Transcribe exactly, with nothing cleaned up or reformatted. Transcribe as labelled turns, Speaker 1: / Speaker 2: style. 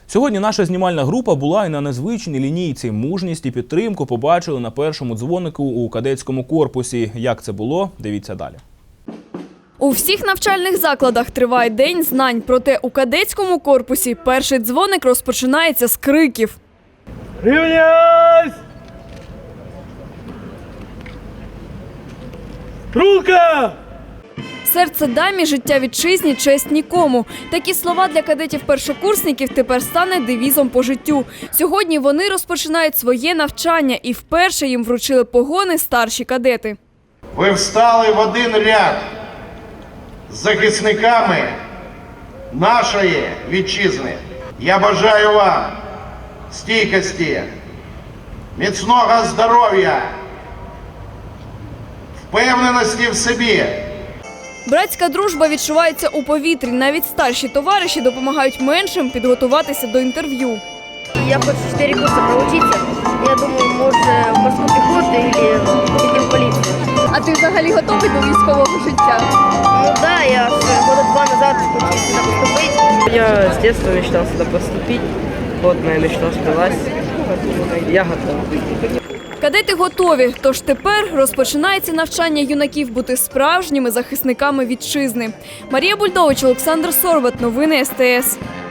Speaker 1: Сьогодні наша знімальна група була і на незвичній лінійці. Мужність і підтримку побачили на першому дзвонику у кадетському корпусі. Як це було? Дивіться далі.
Speaker 2: У всіх навчальних закладах триває День знань. Проте у кадетському корпусі перший дзвоник розпочинається з криків.
Speaker 3: Рівняйсь! Рука!
Speaker 2: Серце дамі, життя вітчизні, честь нікому. Такі слова для кадетів-першокурсників тепер стане девізом по життю. Сьогодні вони розпочинають своє навчання і вперше їм вручили погони старші кадети.
Speaker 4: Ви встали в один ряд з захисниками нашої вітчизни. Я бажаю вам стійкості, міцного здоров'я, впевненості в собі.
Speaker 2: Братська дружба відчувається у повітрі. Навіть старші товариші допомагають меншим підготуватися до інтерв'ю.
Speaker 5: Я хочу чотири курси проучитися. Я думаю, може в морську піхоту або піти в поліцію.
Speaker 2: А ти взагалі готовий до військового життя?
Speaker 5: Ну так, да, я года два назад хотів сюди поступити.
Speaker 6: Я с детства мечтал сюда поступить. Вот моя мечта сбылась. Я готов.
Speaker 2: Кадети готові, тож тепер розпочинається навчання юнаків бути справжніми захисниками вітчизни. Марія Бульдович, Олександр Сорват. Новини ес те ес.